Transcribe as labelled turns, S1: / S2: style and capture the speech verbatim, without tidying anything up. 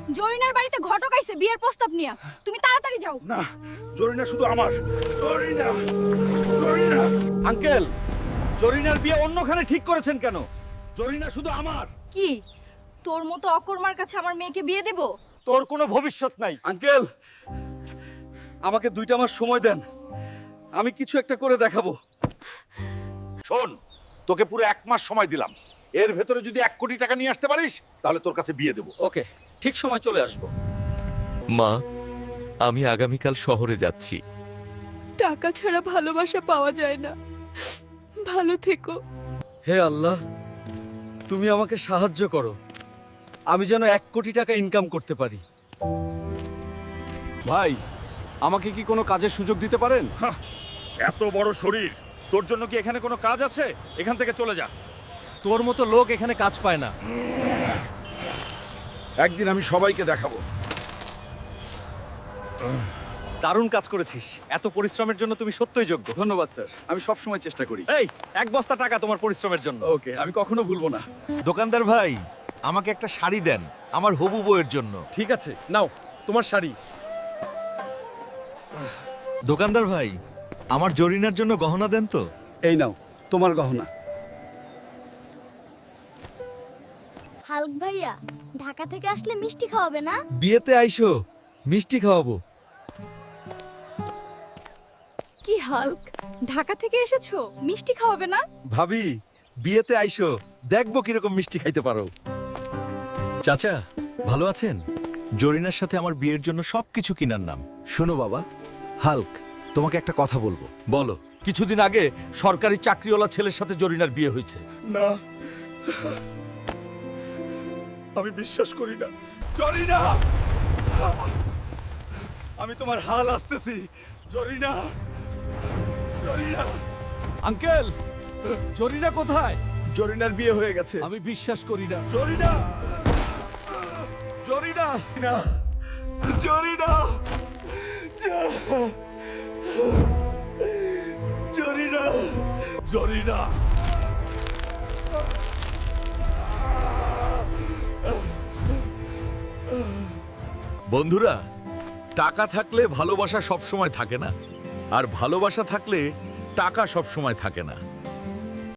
S1: জরিনার বাড়িতে ঘটক আইছে বিয়ের প্রস্তাব নিয়া। তুমি তাড়াতাড়ি যাও।
S2: না, জরিনা শুধু আমার। জরিনা, জরিনা।
S3: আঙ্কেল, জরিনার বিয়ে অন্যখানে ঠিক করেছেন কেন? জরিনা শুধু আমার।
S1: কি তোর মতো অকর্মার কাছে আমার মেয়েকে বিয়ে দেব?
S3: তোর কোনো ভবিষ্যৎ নাই।
S2: আঙ্কেল, আমাকে দুইটা মাস সময় দেন, আমি কিছু একটা করে দেখাবো।
S4: শোন, তোকে পুরো এক মাস সময় দিলাম। এর ভেতরে যদি এক কোটি টাকা নিয়ে আসতে পারিস তাহলে তোর কাছে বিয়ে দেবো।
S3: ওকে, ঠিক সময় চলে আসবো।
S5: মা, আমি আগামীকাল শহরে যাচ্ছি।
S6: টাকা ছাড়া ভালোবাসা পাওয়া যায় না। ভালো থেকো।
S2: হে আল্লাহ, তুমি আমাকে সাহায্য করো, আমি যেন এক কোটি টাকা ইনকাম করতে পারি।
S7: ভাই, আমাকে কি কোনো কাজের সুযোগ দিতে পারেন?
S4: এত বড় শরীর, তোর জন্য কি এখানে কোনো কাজ আছে? এখান থেকে চলে যা।
S2: তোর মতো লোক এখানে কাজ পায় না।
S4: একদিন আমি সবাইকে দেখাবো।
S3: দারুণ কাজ করেছিস। এত পরিশ্রমের জন্য তুমি সত্যই যোগ্য।
S7: ধন্যবাদ স্যার, আমি সব সময় চেষ্টা করি।
S3: এই, এক বস্তা টাকা তোমার পরিশ্রমের জন্য।
S7: ওকে, আমি কখনো ভুলবো না।
S5: দোকানদার ভাই, আমাকে একটা শাড়ি দেন আমার হবু বউয়ের জন্য।
S7: ঠিক আছে, নাও তোমার শাড়ি।
S5: দোকানদার ভাই, আমার জরিনার জন্য গহনা দেন তো।
S7: এই নাও তোমার গহনা।
S8: হাল্ক ভাইয়া, ঢাকা থেকে আসলে মিষ্টি খাওয়াবে না?
S2: বিয়েতে আইসো, মিষ্টি খাওয়াবো।
S1: কি হাল্ক, ঢাকা থেকে এসেছো, মিষ্টি খাওয়াবে না?
S2: ভাবি, বিয়েতে আইসো, দেখবো কিরকম মিষ্টি খাইতে পারো।
S5: চাচা, ভালো আছেন? জরিনার সাথে আমার বিয়ের জন্য সবকিছু কিনার নাম।
S2: শোনো বাবা, হাল্ক, তোমাকে একটা কথা বলবো। বলো, কিছুদিন আগে সরকারি চাকরিওয়ালা ছেলের সাথে জরিনার বিয়ে হয়েছে।
S4: না, আমি বিশ্বাস করি না। জরিনা, আমি তোমার হাল আসতেছি। জরিনা, জরিনা।
S2: আঙ্কেল, জরিনা কোথায়?
S7: জরিনার বিয়ে হয়ে গেছে।
S2: আমি বিশ্বাস করি না।
S4: জরিনা, জরিনা, না, জরিনা, জরিনা, জরিনা।
S5: বন্ধুরা, টাকা থাকলে ভালোবাসা সব সময় থাকে না, আর ভালোবাসা থাকলে টাকা সব সময় থাকে না।